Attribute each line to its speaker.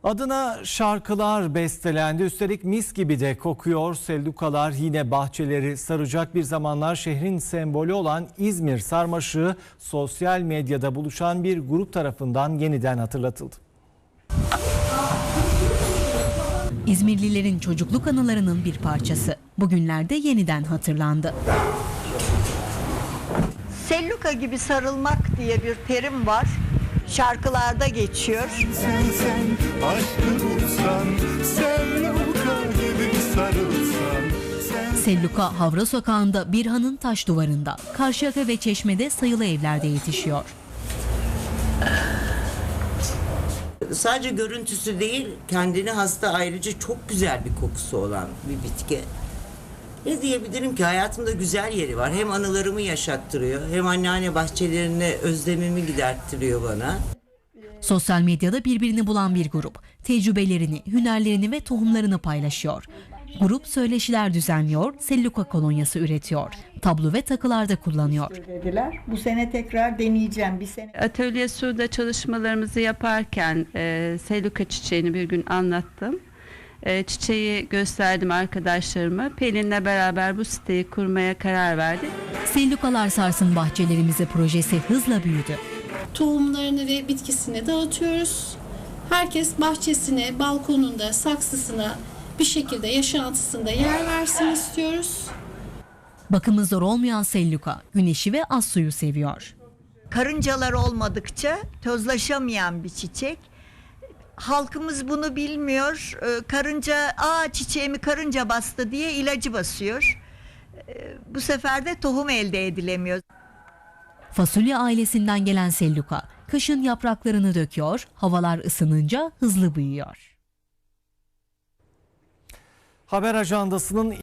Speaker 1: Adına şarkılar bestelendi. Üstelik mis gibi de kokuyor. Sellukalar yine bahçeleri saracak. Bir zamanlar şehrin sembolü olan İzmir sarmaşığı sosyal medyada buluşan bir grup tarafından yeniden hatırlatıldı.
Speaker 2: İzmirlilerin çocukluk anılarının bir parçası. Bugünlerde yeniden hatırlandı.
Speaker 3: Selluka gibi sarılmak diye bir terim var. Şarkılarda geçiyor.
Speaker 4: Sen aşkı bulsan, selluka gibi sarılsan.
Speaker 2: Selluka Havra Sokağı'nda Birhan'ın taş duvarında, Karşıyaka ve Çeşme'de sayılı evlerde yetişiyor.
Speaker 5: Sadece görüntüsü değil, kendine hasta ayrıca çok güzel bir kokusu olan bir bitki. Ne diyebilirim ki, hayatımda güzel yeri var. Hem anılarımı yaşattırıyor, hem anneanne bahçelerine özlemimi giderttiriyor bana.
Speaker 2: Sosyal medyada birbirini bulan bir grup, tecrübelerini, hünerlerini ve tohumlarını paylaşıyor. Grup söyleşiler düzenliyor, selluka kolonyası üretiyor. Tablo ve takılarda kullanıyor.
Speaker 3: Dediler. Bu sene tekrar deneyeceğim. Bir sene.
Speaker 6: Atölye Su'da çalışmalarımızı yaparken selluka çiçeğini bir gün anlattım. Çiçeği gösterdim arkadaşlarıma. Pelin'le beraber bu siteyi kurmaya karar verdik.
Speaker 2: Sellukalar sarsın bahçelerimizi projesi hızla büyüdü.
Speaker 7: Tohumlarını ve bitkisini dağıtıyoruz. Herkes bahçesine, balkonunda, saksısına bir şekilde yaşantısında yer versin istiyoruz.
Speaker 2: Bakımı zor olmayan selluka, güneşi ve az suyu seviyor.
Speaker 3: Karıncalar olmadıkça tozlaşamayan bir çiçek. Halkımız bunu bilmiyor. Karınca, çiçeğimi karınca bastı diye ilacı basıyor. Bu sefer de tohum elde edilemiyor.
Speaker 2: Fasulye ailesinden gelen selluka, kışın yapraklarını döküyor, havalar ısınınca hızlı büyüyor.
Speaker 1: Haber ajandasının